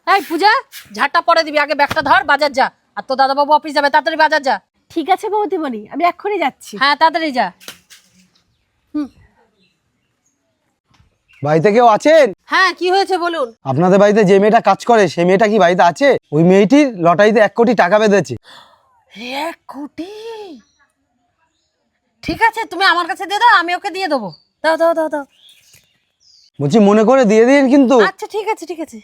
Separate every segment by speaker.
Speaker 1: এই পূজা, ঝাড়টা পরে দিবি, আগে ব্যাগটা ধর, বাজার যা। আর তো দাদাবাবু অফিস যাবে, তাড়াতাড়ি বাজার যা।
Speaker 2: ঠিক আছে বৌদিমণি, আমি এক্ষুনি যাচ্ছি।
Speaker 1: হ্যাঁ তাড়াতাড়ি যা।
Speaker 3: বাড়িতে কেউ আছেন?
Speaker 1: হ্যাঁ কি হয়েছে বলুন।
Speaker 3: আপনাদের বাড়িতে যে মেয়েটা কাজ করে সেই মেয়েটা কি বাড়িতে আছে? ওই মেয়েটির লটারিতে 1 কোটি টাকা বেঁধেছে।
Speaker 1: 1 কোটি? ঠিক আছে, তুমি আমার কাছে দিয়ে দাও, আমি ওকে দিয়ে দেবো। দাও দাও দাও দাও।
Speaker 3: বলছি মনে করে দিয়ে দিন কিন্তু।
Speaker 1: আচ্ছা ঠিক আছে ঠিক আছে।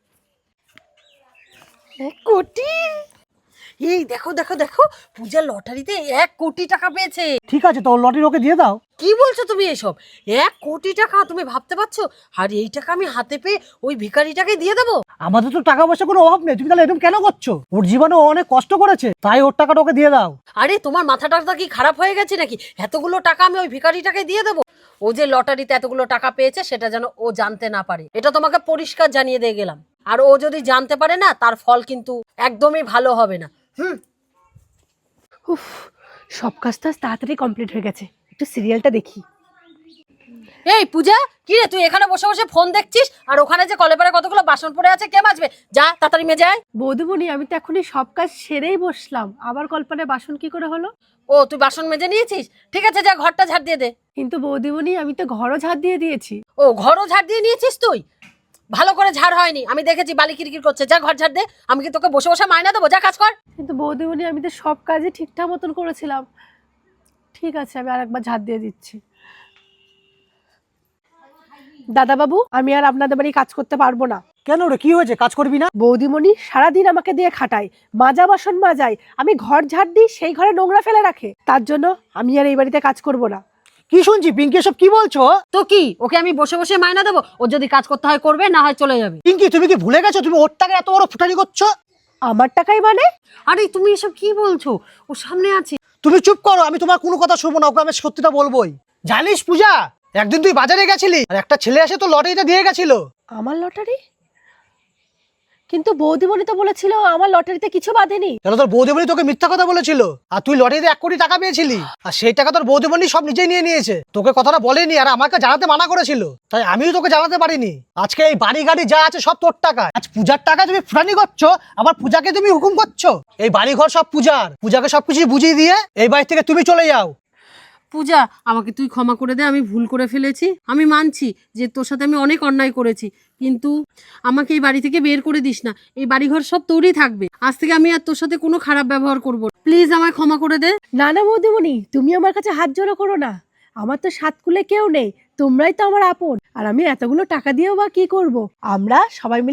Speaker 1: 1 কোটি? এই দেখো দেখো দেখো, পূজা লটারিতে 1 কোটি টাকা পেয়েছে।
Speaker 4: ঠিক আছে, তো লটারি ওকে দিয়ে দাও।
Speaker 1: কি বলছো তুমি এসব? 1 কোটি টাকা তুমি ভাবতে পারছো? আর এই টাকা আমি হাতে পেয়ে ওই ভিখারিটাকে দিয়ে দেবো?
Speaker 4: আমাদের তো টাকা পয়সা কোনো অভাব নেই, তুমি তাহলে এরকম কেন করছো? ওর জীবনে ও অনেক কষ্ট করেছে, তাই ওর টাকাটা ওকে দিয়ে দাও।
Speaker 1: আরে তোমার মাথাটা কি খারাপ হয়ে গেছে নাকি? এতগুলো টাকা আমি ওই ভিখারিটাকে দিয়ে দেবো? ও যে লটারিতে এতগুলো টাকা পেয়েছে সেটা যেন ও জানতে না পারে, এটা তোমাকে পরিষ্কার জানিয়ে দিয়ে গেলাম। আর ও যদি জানতে পারে না, তার ফল কিন্তু একদমই ভালো হবে না।
Speaker 2: উফ, সব কাজ তো আজ তাড়াতাড়ি কমপ্লিট হয়ে গেছে, একটু সিরিয়ালটা দেখি।
Speaker 1: এই পূজা, কি রে তুই এখানে বসে বসে ফোন দেখছিস? আর ওখানে যে কলেপারে কতগুলো বাসন পড়ে আছে, কে মাজবে? যা তাড়াতাড়ি মেজে আয়।
Speaker 2: বৌদিমণি, আমি তো এখনই সব কাজ সেরেই বসলাম, আবার কল্পনায় বাসন কি করে হলো?
Speaker 1: ও তুই বাসন মেজে নিয়েছিস? ঠিক আছে, যা ঘরটা ঝাড় দিয়ে দে।
Speaker 2: কিন্তু বৌদিমণি, আমি তো ঘরও ঝাড় দিয়ে দিয়েছি।
Speaker 1: ও ঘরও ঝাড় দিয়ে নিয়েছিস তুই? ভালো করে ঝাড় হয়নি, আমি দেখেছি বালি কিরকির করছে। যা ঘর ঝাড় দে, আমি কি তোকে বসে বসে মাইনা দেবো? যা কাজ কর।
Speaker 2: কিন্তু বৌদিমণি, আমি তো সব কাজই ঠিকঠাক মতন করেছিলাম। ঠিক আছে, আমি আরেকবার ঝাড় দিয়ে দিচ্ছি। দাদাবাবু, আমি আর আপনাদের বাড়ি কাজ করতে পারবো না।
Speaker 4: কেন রে, কি হয়েছে? কাজ করবি না?
Speaker 2: বৌদিমণি সারাদিন আমাকে দিয়ে খাটায়, মাজা বাসন মাজায়, আমি ঘর ঝাড় দিই, সেই ঘরে নোংরা ফেলে রাখে। তার জন্য আমি আর এই বাড়িতে কাজ করব না।
Speaker 4: কি শুনছি পিঙ্কি, এসব কি বলছো?
Speaker 1: তো কি, ওকে আমি বসে বসে মাইনা দেবো? ও যদি কাজ করতে হয় করবে, না হয় চলে যাবে।
Speaker 4: পিঙ্কি, তুমি কি ভুলে গেছো তুমি ওর টাকা এত বড় ফুটানি করছো?
Speaker 2: আমার টাকাই মানে?
Speaker 1: আরে তুমি এসব কি বলছো? ও সামনে আছে।
Speaker 4: তুমি চুপ করো, আমি তোমার কোনো কথা শুনবো না, ওকে আমি সত্যিটা বলবোই। জানিস পূজা, একদিন তুই বাজারে গেছিলি আর একটা ছেলে এসে তো লটারিটা দিয়ে গেছিল।
Speaker 2: আমার লটারি? কিন্তু বৌদিমণি তো বলেছিল আমার লটারিতে কিছু বাঁধেনি।
Speaker 4: তাহলে তোর বৌদিমণি তোকে মিথ্যা কথা বলেছিল, আর তুই লটারিতে 1 কোটি টাকা পেয়েছিলি, আর সেই টাকা তোর বৌদিমণি সব নিজেই নিয়ে নিয়েছে। তোকে কথাটা বলেনি আর আমাকে জানাতে মানা করেছিল, তাই আমিও তোকে জানাতে পারিনি। আজকে এই বাড়ি গাড়ি যা আছে সব তোর টাকা। আজ পূজার টাকা তুমি ফুটানি করছো, আবার পূজাকে তুমি হুকুম করছো। এই বাড়ি ঘর সব পূজার, পূজাকে সবকিছু বুঝিয়ে দিয়ে এই বাড়ি থেকে তুমি চলে যাও।
Speaker 1: পূজা, আমাকে তুই ক্ষমা করে দে, আমি ভুল করে ফেলেছি। আমি মানছি যে তোর সাথে আমি অনেক অন্যায় করেছি, কিন্তু আমাকে এই বাড়ি থেকে বের করে দিস না। এই বাড়িঘর সব তোরই থাকবে। আজ থেকে আমি আর তোর সাথে কোনো খারাপ ব্যবহার করব না। প্লিজ আমায় ক্ষমা করে দে।
Speaker 2: না না বৌদিমণি, তুমি আমার কাছে হাত জোড়ো করো না। আমার তো সাতকুলে কেউ নেই, তোমরাই তো আমার আপন। আর আমি এতগুলো টাকা দিয়েও বা কি করব? আমরা সবাই মিলে